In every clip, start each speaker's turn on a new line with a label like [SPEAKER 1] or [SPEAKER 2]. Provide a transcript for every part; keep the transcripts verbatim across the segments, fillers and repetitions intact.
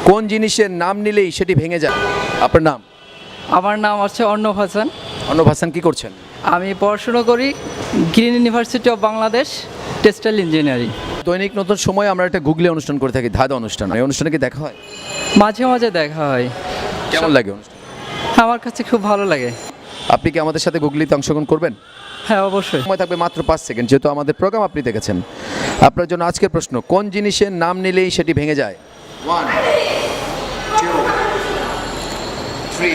[SPEAKER 1] কোন জিনিসের নাম নিলেই সেটি ভেঙে যায়? আপনার নাম?
[SPEAKER 2] আমার নাম হচ্ছে অর্ণব হাসান।
[SPEAKER 1] অর্ণব হাসান, কি করছেন?
[SPEAKER 2] আমি পড়াশোনা করি green university of Bangladesh, textile engineering.
[SPEAKER 1] দৈনিক নতুন সময় আমরা একটা গুগলি অনুষ্ঠান করে থাকি, ধাঁধা অনুষ্ঠান। এই অনুষ্ঠানে কি দেখা হয়?
[SPEAKER 2] মাঝে মাঝে দেখা হয়।
[SPEAKER 1] কেমন লাগে অনুষ্ঠান?
[SPEAKER 2] আমার কাছে খুব ভালো লাগে।
[SPEAKER 1] আপনি কি আমাদের সাথে গুগলিতে অংশগ্রহণ করবেন?
[SPEAKER 2] হ্যাঁ, অবশ্যই।
[SPEAKER 1] সময় থাকবে মাত্র পাঁচ সেকেন্ড, যেহেতু আমাদের প্রোগ্রাম আপনি দেখেছেন। আপনার জন্য আজকের প্রশ্ন, কোন জিনিসের নাম নিলেই সেটি ভেঙে যায়? One, two, three,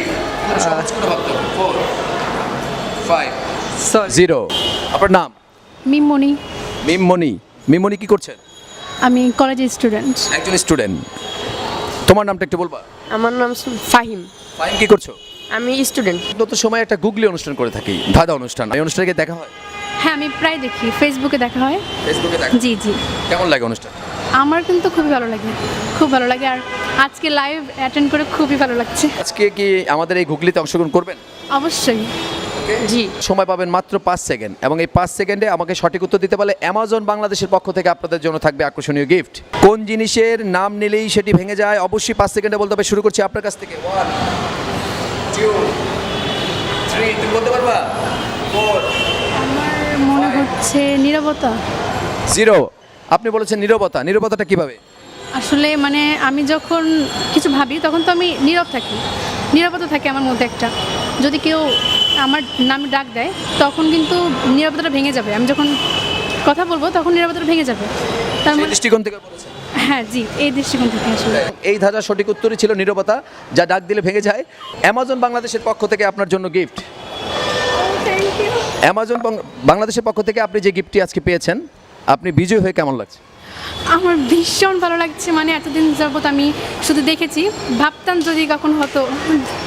[SPEAKER 1] four, five,
[SPEAKER 2] sorry.
[SPEAKER 1] Zero. আপনার নাম?
[SPEAKER 3] মিমমণি।
[SPEAKER 1] মিমমণি। মিমমণি, কি করছেন?
[SPEAKER 3] আমি কলেজের স্টুডেন্ট।
[SPEAKER 1] একজন স্টুডেন্ট। তোমার নামটা একটু বলবা?
[SPEAKER 4] আমার নাম ফাহিম।
[SPEAKER 1] ফাইন, কি করছো?
[SPEAKER 4] আমি স্টুডেন্ট।
[SPEAKER 1] নতুন সময় একটা গুগলি অনুষ্ঠান করে থাকি, ধাঁধা অনুষ্ঠান। এই অনুষ্ঠানে কি দেখা হয়?
[SPEAKER 3] হ্যাঁ, আমি প্রায় দেখি, ফেসবুকে দেখা হয়।
[SPEAKER 1] ফেসবুকে দেখা?
[SPEAKER 3] জি জি।
[SPEAKER 1] কেমন লাগে অনুষ্ঠান?
[SPEAKER 3] আমার কিন্তু খুবই ভালো লাগে, খুব ভালো লাগে। আর আজকে লাইভ অ্যাটেন্ড করে খুবই ভালো লাগছে।
[SPEAKER 1] আজকে কি আমাদের এই গুগলিতে অংশগ্রহণ করবেন?
[SPEAKER 3] অবশ্যই।
[SPEAKER 4] জি।
[SPEAKER 1] সময় পাবেন মাত্র পাঁচ সেকেন্ড, এবং এই পাঁচ সেকেন্ডে আমাকে সঠিক উত্তর দিতে পারলে অ্যামাজন বাংলাদেশের পক্ষ থেকে আপনাদের জন্য থাকবে আকর্ষণীয় গিফট। কোন জিনিসের নাম নিলেই সেটি ভেঙে যায়? অবশ্যই পাঁচ সেকেন্ডে বলতে হবে। শুরু করছি আপনার কাছ থেকে। ওয়ান, টু, থ্রি, তুমি বলতে পারবা? ফোর,
[SPEAKER 3] আমার মনে হচ্ছে নীরবতা।
[SPEAKER 1] জিরো। আপনি বলেছেন নীরবতা। নীরবতাটা কিভাবে?
[SPEAKER 3] আসলে মানে আমি যখন কিছু ভাবি তখন তো আমি নীরব থাকি, নীরবতা থাকে আমার মধ্যে একটা। যদি কেউ আমার নামে ডাক দেয় তখন কিন্তু নীরবতাটা ভেঙে যাবে। আমি যখন কথা বলবো তখন নীরবতাটা ভেঙে যাবে। তার
[SPEAKER 1] সেই
[SPEAKER 3] মানে
[SPEAKER 1] দৃষ্টিকোণ থেকে বলেছেন।
[SPEAKER 3] হ্যাঁ জি, এই দৃষ্টিকোণ থেকে আসলে।
[SPEAKER 1] এই ধাঁধার সঠিক উত্তরই ছিল নীরবতা, যা ডাক দিলে ভেঙে যায়। অ্যামাজন বাংলাদেশের পক্ষ থেকে আপনার জন্য গিফট।
[SPEAKER 3] Thank you.
[SPEAKER 1] অ্যামাজন বাং- বাংলাদেশের পক্ষ থেকে আপনি যে গিফটটি আজকে পেয়েছেন, আপনি বিজয় হয়ে কেমন লাগছে?
[SPEAKER 3] আমার ভীষণ ভালো লাগছে। মানে এতদিন যাবত আমি শুধু দেখেছি, ভাবতাম যদি কখন হতো।